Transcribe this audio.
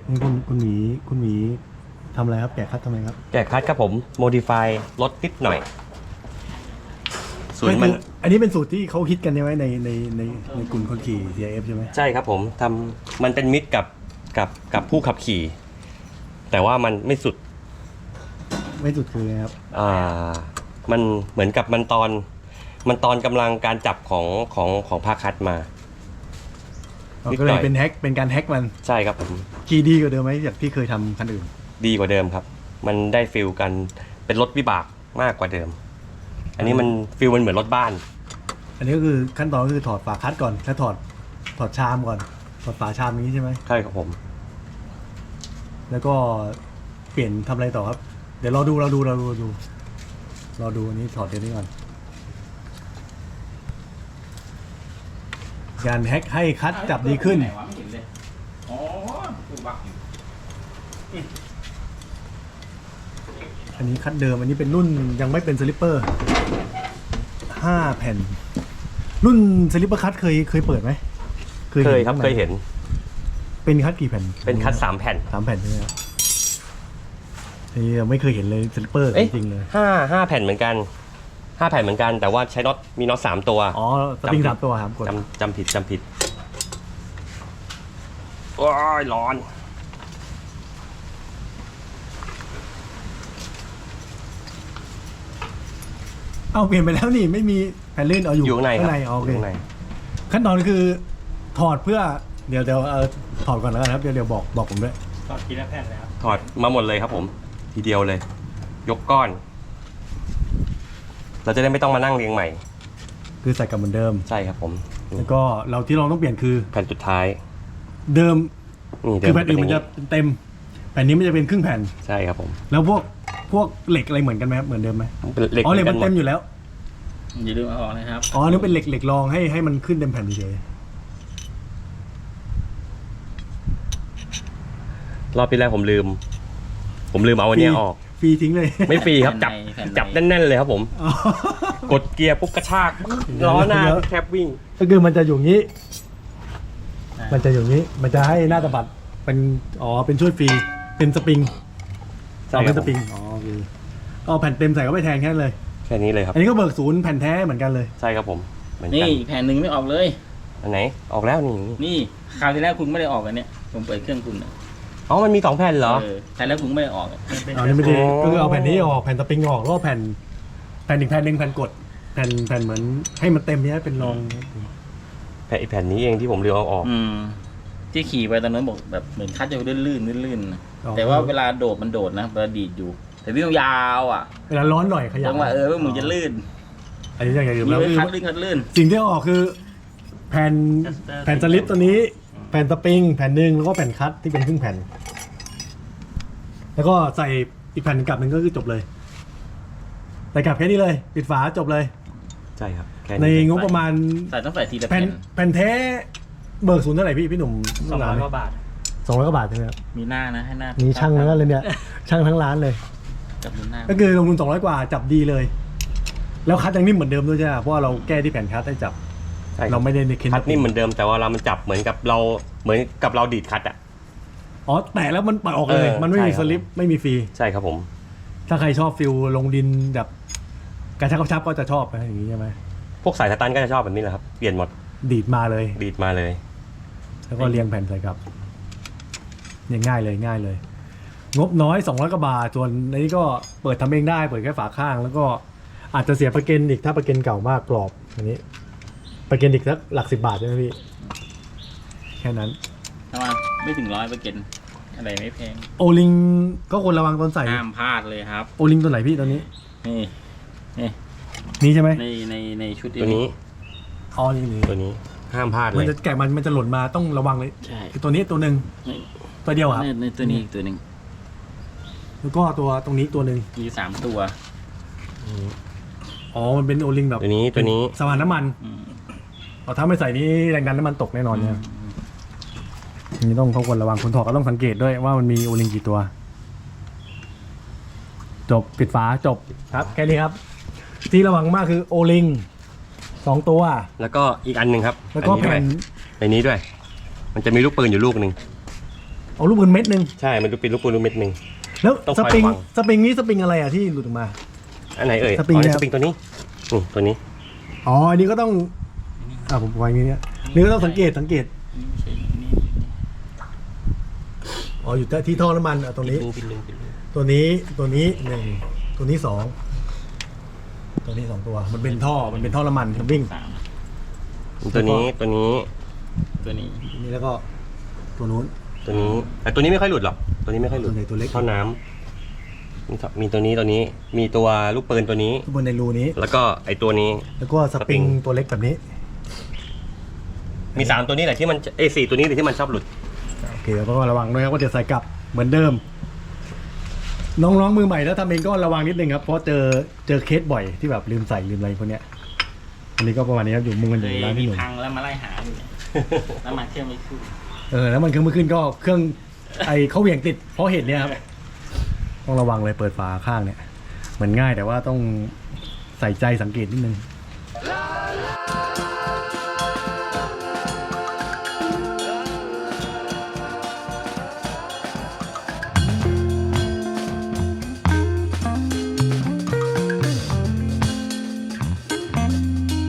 นี่คุณหมีทำอะไรครับแกะคัดทำไมครับแกะคัดครับผมโมดิฟายลดนิดหน่อยสูตรมันอันนี้เป็นสูตรที่เขาฮิตกันใช่ไหมในกลุ่มคนขี่ CRF ใช่ไหมใช่ครับผมทำมันเป็นมิตรกับผู้ขับขี่แต่ว่ามันไม่สุดคือไงครับมันเหมือนกับมันตอนกำลังการจับของภาคคัดมาก็เลยเป็นแฮกเป็นการแฮกมันใช่ครับผมขี่ดีกว่าเดิมไหมจากที่เคยทำคันอื่นดีกว่าเดิมครับมันได้ฟิลกันเป็นรถวิบากมากกว่าเดิมอันนี้มันฟิลมันเหมือนรถบ้านอันนี้ก็คือขั้นตอนก็คือถอดฝาคัดก่อนแล้วถอดชามก่อนถอดฝาชามนี้ใช่ไหมใช่ครับผมแล้วก็เปลี่ยนทำอะไรต่อครับเดี๋ยวเราดูอันนี้ถอดเดี๋ยวนี้ก่อนการแฮกให้คัดจับดีขึ้นอันนี้คัดเดิมอันนี้เป็นรุ่นยังไม่เป็นสลิปเปอร์5 แผ่นรุ่นสลิปเปอร์คัดเคยเปิดไหมเคยครับเคยเห็นเป็นคัดกี่แผ่นเป็นคัด3 แผ่น 3 แผ่นใช่ไหมครับนี่ไม่เคยเห็นเลยสลิปเปอร์จริงๆเลย 5 แผ่นเหมือนกัน5 แผ่นเหมือนกันแต่ว่าใช้น็อตมีน็อต3 ตัวอ๋อสปริง3 ตัวครับจำผิดโอ้ยร้อนเอาเปลี่ยนไปแล้วนี่ไม่มีแผ่นลื่นเอาอยู่ข้างในโอเคขั้นตอนคือถอดเพื่อเดี๋ยวถอดก่อนแล้วกันครับเดี๋ยวบอกผมด้วยถอดทีละแผ่นเลยครับถอดมาหมดเลยครับผมทีเดียวเลยยกก้อนเราจะได้ไม่ต้องมานั่งเรียงใหม่คือใส่กับเหมือนเดิมใช่ครับผมแล้วก็เราที่เราต้องเปลี่ยนคือแผ่นสุดท้ายเดิมคือแผ่นอื่นมันจะเต็มแผ่นนี้มันจะเป็นครึ่งแผ่นใช่ครับผมแล้วพวกเหล็กอะไรเหมือนกันไหมครับเหมือนเดิมไหมอ๋อเหล็กมันเต็มอยู่แล้วอย่าลืมเอาออกนะครับอ๋อนี่เป็นเหล็กรองให้มันขึ้นเต็มแผ่นเฉยรอบที่แรกผมลืมเอาอันนี้ออกฟรีทิ้งเลยไม่ฟรีครับจับแน่นๆเลยครับผมกดเกียร์ปุ๊บกระชากล้อหน้าแคบวิ่งก็คือมันจะอยู่นี้มันจะให้หน้าตะบัดเป็นช่วยฟรีเป็นสปริงเป็นสปริงเอาแผ่นเต็มใส่เข้าไปแทนแค่เลยแค่นี้เลยครับอันนี้ก็เบิกศูนย์แผ่นแท้เหมือนกันเลยใช่ครับผมนี่แผ่นหนึ่งไม่ออกเลยอันไหนออกแล้วนี่คราวที่แล้วคุณไม่ได้ออกอันเนี้ยผมเปิดเครื่องคุณอ๋อมันมี2 แผ่นเหรอแต่แล้วคุณไม่ได้ออกอันนี้ไม่ได้ก็คือเอาแผ่นนี้ออกแผ่นสปริงออกแล้วก็แผ่นอีกแผ่นหนึ่งแผ่นกดแผ่นเหมือนให้มันเต็มนี้เป็นรองแผ่นนี้เองที่ผมเลือกเอาออกที่ขี่ไปตอนนั้นบอกแบบเหมือนคัดจะลื่นแต่ว่าเวลาโดดมันโดดนะเวลาดีดอยู่แต่วิ่งยาวอ่ะเวลาร้อนหน่อยขยับว่าว่ามึงจะลื่นอันนี้อย่างอื่นแล้วคัดลื่นสิ่งที่ออกคือแผ่นสลิปตัวนี้แผ่นสปริงแผ่นหนึ่งแล้วก็แผ่นคัดที่เป็นครึ่งแผ่นแล้วก็ใส่อีกแผ่นกลับหนึ่งก็คือจบเลยใส่กลับแค่นี้เลยปิดฝาจบเลยใช่ครับในงบประมาณต้องใส่ทีละแผ่นแท้เบิกศูนย์เท่าไหร่พี่หนุ่ม 200 กว่าบาท 200 กว่าบาทใช่ไหมครับมีหน้านะให้หน้ามีช่างทั้งนั้นเลยเนี่ยช่างทั้งร้านเลยจับหน้าก็คือลงทุน200 กว่าจับดีเลยแล้วคัดยังนิ่มเหมือนเดิมด้วยใช่ไหมเพราะว่าเราแก้ที่แผ่นคัดให้จับเราไม่ได้ในคัดนิ่มเหมือนเดิมแต่ว่าเรามันจับเหมือนกับเราดีดคัดอ่ะอ๋อแต่แล้วมันปล่อยออกเลยมันไม่มีสลิปไม่มีฟรีใช่ครับผมถ้าใครชอบฟิลลงดินแบบกระชับก็จะชอบอย่างนี้ใช่ไหมพวกสายสตันก็จะชอบแบบนี้แหละครับเปลี่ยนหมดดีดมาเลยแล้วก็เรียงแผ่นใส่ครับเนี่ยง่ายเลยงบน้อย200 กว่าบาทส่วนนี้ก็เปิดทำเองได้เปิดแค่ฝาข้างแล้วก็อาจจะเสียประกันอีกถ้าประกันเก่ามากกรอบอันนี้ประกันอีกสักหลัก10 บาทใช่ไหมพี่แค่นั้นถ้ามาไม่ถึง100ประกันอะไรไม่แพงโอลิงก็ควรระวังตอนใส่ห้ามพลาดเลยครับโอลิงตัวไหนพี่ตอนนี้นี่ใช่ไหมในชุดตัวนี้อ๋อนี่ตัวนี้ห้ามพลาดเลยมันจะแกะมันจะหล่นมาต้องระวังเลยคือตัวนี้ตัวหนึ่งตัวเดียวครับในตัวนี้ตัวหนึ่งแล้วก็ตัวตรงนี้ตัวหนึ่งมี3 ตัวอ๋อมันเป็นโอลิงแบบตัวนี้สว่านน้ำมันถ้าไม่ใส่นี้แรงดันน้ำมันตกแน่นอนเนี่ยนี่ต้องควรระวังคนถอดก็ต้องสังเกตด้วยว่ามันมีโอลิงกี่ตัวจบปิดฝาจบครับแค่นี้ครับที่ระวังมากคือโอลิง2 ตัวแล้วก็อีกอันหนึ่งครับแล้วก็แผ่นในนี้ด้วยมันจะมีลูกปืนอยู่ลูกหนึ่งเอาลูกปืนเม็ดหนึ่งใช่มันดูเป็นลูกปืนลูกเม็ดหนึ่งแล้วต้องสคอยปริงระวังสปริงนี้สปริงอะไรอ่ะที่หลุดออกมาอันไหนเอ่ยสปริงอ๋อนี่เนี่ยสปริงตัวนี้ตัวนี้อ๋ออันนี้ก็ต้องผมวางอย่างนี้เนี่ยนี่ก็ต้องสังเกตนี่ไม่ใช่นี่อ๋ออยู่ที่ท่อน้ำมันตรงนี้ปิดลึงตัวนี้1ตัวนี้2ตัวนี้2ตัวมันเป็นท่อน้ำมันมันวิ่งสามตัวนี้ตัวนี้นี่แล้วก็ตัวนู้นตัวนี้แต่ตัวนี้ไม่ค่อยหลุดหรอกตัวนี้ไม่ค่อยหลุดตัวไหนตัวเล็กท่อน้ำมีตัวนี้มีตัวลูกปืนตัวนี้บนในรูนี้แล้วก็ไอตัวนี้แล้วก็สปริงสปริงตัวเล็กแบบนี้มี3ตัวนี้แหละที่มัน4ตัวนี้เลยที่มันชอบหลุดโอเคแล้วก็ระวังด้วยครับว่าจะใส่กลับเหมือนเดิม น้องๆมือใหม่ถ้าทำเองก็ระวังนิดนึงครับเพราะเจอเคสบ่อยที่แบบลืมใส่ลืมอะไรพวกเนี้ยอันนี้ก็ประมาณนี้ครับอยู่มุงกันอเคยู่ยร้านมีพี่หนุ่มพังแล้วมาไล่หาอยู่เนี่ยแล้วมาเครื่องไม่ขึ้นแล้วมันเครื่องมือขึ้นก็เครื่องเขาเหวี่ยงติดเพราะเหตุเนี้ยครับต้องระวังเลยเปิดฝาข้างเนี่ยเหมือนง่ายแต่ว่าต้องใส่ใจสังเกตนิดนึง